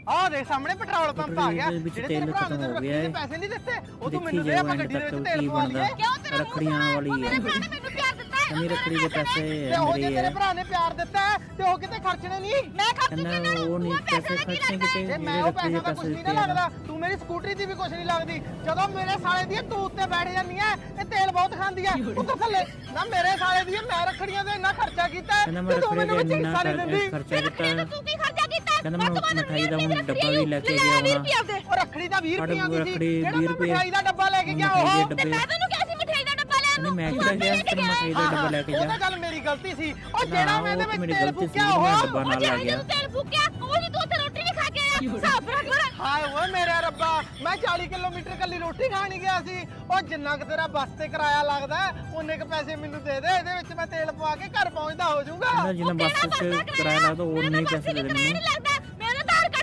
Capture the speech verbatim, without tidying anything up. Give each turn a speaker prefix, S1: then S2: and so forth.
S1: ਆਹ ਦੇਖ ਸਾਹਮਣੇ ਪੈਟਰੋਲ ਪੰਪ ਆ ਗਿਆ
S2: ਜਿਹੜੇ ਤੇਲ ਖਤਮ ਹੋ ਗਿਆ ਹੈ।
S1: ਪੈਸੇ ਨਹੀਂ ਦਿੱਤੇ ਉਹ ਤੂੰ
S2: ਦੇਖੀ
S1: ਮੈਨੂੰ ਦੇ
S2: ਜਾਓ
S1: ਆਪਾਂ
S2: ਐਂਡ
S1: ਗੱਡੀ ਦੇ
S2: ਤੱਕ
S1: ਵਿੱਚ ਤੇਲ
S2: ਕੀ
S1: ਪਵਾ
S2: ਬਣਦਾ।
S1: ਲਈਏ।
S3: ਕਿਉਂ ਤੇਰਾ
S2: ਰੱਖੜੀਆਂ ਵਾਲੀ
S3: ਮੇਰੇ ਭਰਾ ਨੇ ਮੈਨੂੰ ਪਿਆਰ ਦਿੱਤਾ ਹੈ।
S2: ਨਹੀਂ ਰੱਖੜੀ ਦੇ ਪੈਸੇ
S1: ਤੇ ਉਹ ਜੇ
S2: ਮੇਰੇ
S1: ਤੇਰੇ
S2: ਹੈ
S1: ਭਰਾ ਨੇ ਪਿਆਰ ਦਿੱਤਾ ਹੈ, ਤੇ ਉਹ ਕਿਤੇ ਖਰਚਣੇ ਨਹੀਂ।
S3: ਮੈਂ ਖਰਚੂਗੀ
S2: ਕਹਿੰਦਾ
S3: ਇਹਨਾਂ ਨੂੰ
S2: ਉਹ ਨਹੀਂ ਪੈਸੇ ਖਰਚੇ ਕਿਤੇ
S1: ਤੇ ਮੈਂ
S2: ਮੇਰੇ
S1: ਉਹ
S2: ਰੱਖੜੀ ਦੇ
S1: ਪੈਸਾ ਦਾ ਕੁਝ
S2: ਪੈਸੇ
S1: ਨਹੀਂ
S2: ਦਿੱਤੇ
S1: ਨਾ
S2: ਆ।
S1: ਲੱਗਦਾ, ਤੂੰ ਮੇਰੀ ਸਕੂਟਰੀ ਦੀ ਵੀ ਕੁਝ ਨਹੀਂ ਲੱਗਦੀ। ਜਦੋਂ ਮੇਰੇ ਸਾਲੇ ਦੀ ਤੂੰ ਉੱਤੇ ਬੈਠ ਜਾਂਦੀ ਐ ਤੇ ਤੇਲ ਬਹੁਤ ਖਾਂਦੀ ਐ ਉੱਤਰ ਥੱਲੇ ਨਾ। ਮੇਰੇ ਸਾਲੇ ਦੀ ਮੈਂ ਰੱਖੜੀਆਂ ਤੇ ਇੰਨਾ ਖਰਚਾ ਕੀਤਾ
S2: ਕਹਿੰਦਾ ਮੈਂ
S1: ਤੇ ਤੂੰ
S2: ਰੱਖੜੀ
S1: ਮੈਨੂੰ
S2: ਤੇ
S1: ਵਿੱਚ
S2: ਇੰਨਾ
S1: ਹਿੱਸਾ ਨਹੀਂ ਦਿੰਦੀ।
S2: ਖਰਚਾ ਕੀਤਾ।
S3: ਤੂੰ ਕੀ ਖਰਚਾ ਕੀਤਾ?
S2: ਕਹਿੰਦਾ ਮੈਂ ਮਿਠਾਈ ਦਾ ਹੁਣ ਡੱਬਾ ਵੀ ਲੈ ਕੇ ਗਿਆ ਹੋਣਾ।
S1: ਉਹ ਰੱਖੜੀ ਦਾ ਵੀਹ ਰੁਪਈਆਂ ਦੀ ਸੀ,
S2: ਰੱਖੜੀ
S1: ਜਿਹੜਾ
S2: ਵੀਹ
S1: ਮੈਂ
S2: ਰੁਪਏ
S1: ਮਿਠਾਈ ਦਾ ਡੱਬਾ ਲੈ ਕੇ ਗਿਆ
S2: ਮਿਠਾਈ
S1: ਉਹ।
S2: ਦੇ
S3: ਤੇ
S2: ਡੱਬੇ
S3: ਮੈਂ ਤੈਨੂੰ ਕਿਹਾ ਸੀ ਮਿਠਾਈ ਦਾ ਡੱਬਾ ਲੈਣ
S2: ਕਹਿੰਦੇ
S3: ਨੂੰ।
S2: ਮੈਂ ਕਿਹੜਾ ਗਿਆ ਤੈਨੂੰ ਮਿਠਾਈ ਦਾ ਡੱਬਾ ਲੈ ਕੇ
S1: ਉਹ
S2: ਜਾ।
S1: ਤਾਂ ਗੱਲ ਮੇਰੀ ਗਲਤੀ ਸੀ। ਉਹ
S2: ਨਾ,
S1: ਜਿਹੜਾ ਮੈਂ
S2: ਉਹ
S1: ਇਹਦੇ
S2: ਤਾਂ ਮੇਰੀ
S1: ਵਿੱਚ ਤੇਲ
S2: ਗਲਤੀ ਸੀ,
S1: ਫੂਕਿਆ
S2: ਮੈਂ
S1: ਉਹ
S2: ਡੱਬਾ ਨਾਲ
S3: ਜੇ
S2: ਲੈ ਗਿਆ।
S3: ਤੂੰ ਤੇਲ ਫੂਕਿਆ ਉਹ ਜੀ ਤੂੰ ਉੱਥੇ ਰੋਟੀ ਨਹੀਂ ਖਾ ਕੇ ਆਇਆ। ਸਾਫ ਰੱਖ ਲੈ।
S1: ਹਾਏ ਓਏ ਮੇਰੇ ਰੱਬਾ, ਮੈਂ ਚਾਲੀ ਕਿਲੋਮੀਟਰ ਕੱਲੀ ਰੋਟੀ ਖਾਣ ਹੀ ਗਿਆ ਸੀ। ਉਹ ਜਿੰਨਾ ਕੁ ਤੇਰਾ ਬੱਸ ਤੇ ਕਿਰਾਇਆ ਲੱਗਦਾ ਉਹਨੇ ਕ ਪੈਸੇ ਮੈਨੂੰ ਦੇ ਦੇ, ਇਹਦੇ ਵਿੱਚ ਮੈਂ ਤੇਲ ਪਵਾ ਕੇ ਘਰ ਪਹੁੰਚਦਾ ਹੋ ਜਾਊਗਾ।
S2: ਕਹਿੰਦਾ ਜਿੰਨਾ ਬੱਸ 'ਚ ਕਿਰਾਇਆ ਲੱਗਦਾ ਉਹ ਨਹੀਂ ਪੈਸੇ ਦੇ ਦੇ ਮੈਨੂੰ।